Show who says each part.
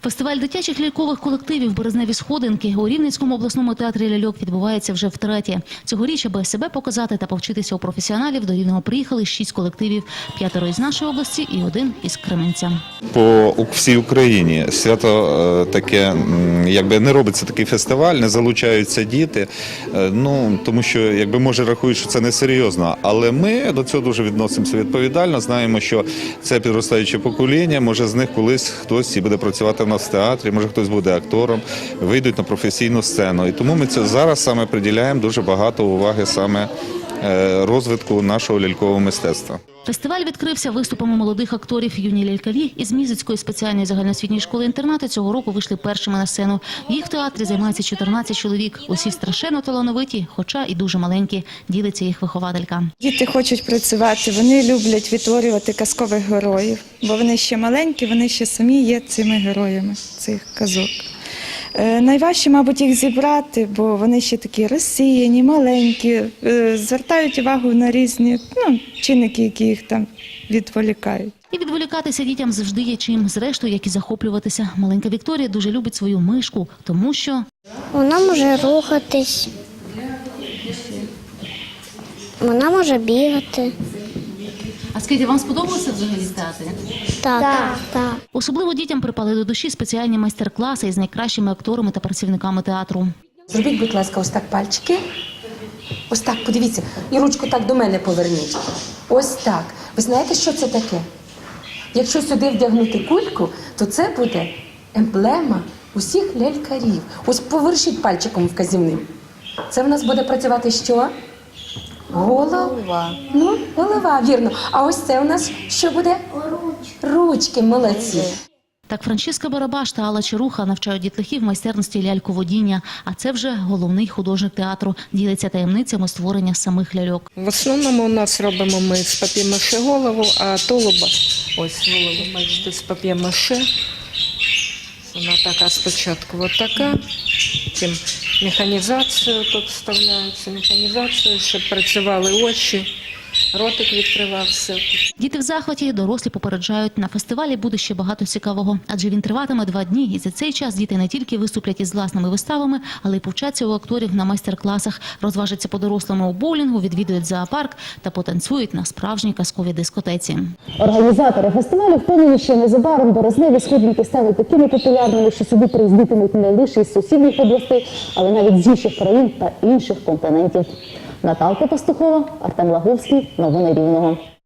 Speaker 1: Фестиваль дитячих лялькових колективів «Березневі сходинки» у Рівненському обласному театрі ляльок відбувається вже втретє. Цьогоріч, аби себе показати та повчитися у професіоналів, до Рівного приїхали 6 колективів. 5 із нашої області і 1 із Кременця.
Speaker 2: По всій Україні свято таке, якби не робиться такий фестиваль, не залучаються діти, тому що, може, рахують, що це несерйозно. Але ми до цього дуже відносимося відповідально, знаємо, що це підростаюче покоління, може з них колись хтось і буде працювати в нас в театрі, може хтось буде актором, вийдуть на професійну сцену. І тому ми це зараз саме приділяємо дуже багато уваги саме розвитку нашого лялькового мистецтва.
Speaker 1: Фестиваль відкрився виступами молодих акторів. Юні лялькарі із Мізицької спеціальної загальноосвітньої школи-інтернату цього року вийшли першими на сцену. Їх в театрі займається 14 чоловік. Усі страшенно талановиті, хоча і дуже маленькі, ділиться їх вихователька.
Speaker 3: Діти хочуть працювати, вони люблять відтворювати казкових героїв, бо вони ще маленькі, вони ще самі є цими героями цих казок. Найважче, мабуть, їх зібрати, бо вони ще такі розсіяні, маленькі, звертають увагу на різні чинники, які їх там відволікають.
Speaker 1: І відволікатися дітям завжди є чим. Зрештою, як і захоплюватися. Маленька Вікторія дуже любить свою мишку, тому що
Speaker 4: вона може рухатись, вона може бігати.
Speaker 1: А скажіть, вам сподобалося взагалі в театрі?
Speaker 4: Так.
Speaker 1: Особливо дітям припали до душі спеціальні майстер-класи із найкращими акторами та працівниками театру.
Speaker 5: Зробіть, будь ласка, ось так пальчики. Ось так, подивіться. І ручку так до мене поверніть. Ось так. Ви знаєте, що це таке? Якщо сюди вдягнути кульку, то це буде емблема усіх лялькарів. Ось повершіть пальчиком вказівним. Це в нас буде працювати що? Голова. Голова, вірно. А ось це у нас що буде? Ручки, молодці.
Speaker 1: Так Франчиска Барабаш та Алла Чаруха навчають дітлахів майстерності ляльководіння. А це вже головний художник театру. Ділиться таємницями створення самих ляльок.
Speaker 6: В основному у нас робимо ми з пап'є-маше голову, а тулуба, ось голову, бачите, з пап'є-маше. Вона така спочатку, от така. Потім механізацію тут вставляється, механізацію, щоб працювали очі. Ротик відкривався.
Speaker 1: Діти в захваті, дорослі попереджають, на фестивалі буде ще багато цікавого. Адже він триватиме 2 дні, і за цей час діти не тільки виступлять із власними виставами, але й повчаться у акторів на майстер-класах, розважаться по-дорослому у боулінгу, відвідують зоопарк та потанцюють на справжній казковій дискотеці.
Speaker 7: Організатори фестивалю впевнені, що незабаром березневі сходники стануть такими популярними, що сюди приїздитимуть не лише із сусідніх областей, але навіть з інших країн та інших континентів. Наталка Пастухова, Артем Лаговський. Новини Рівного.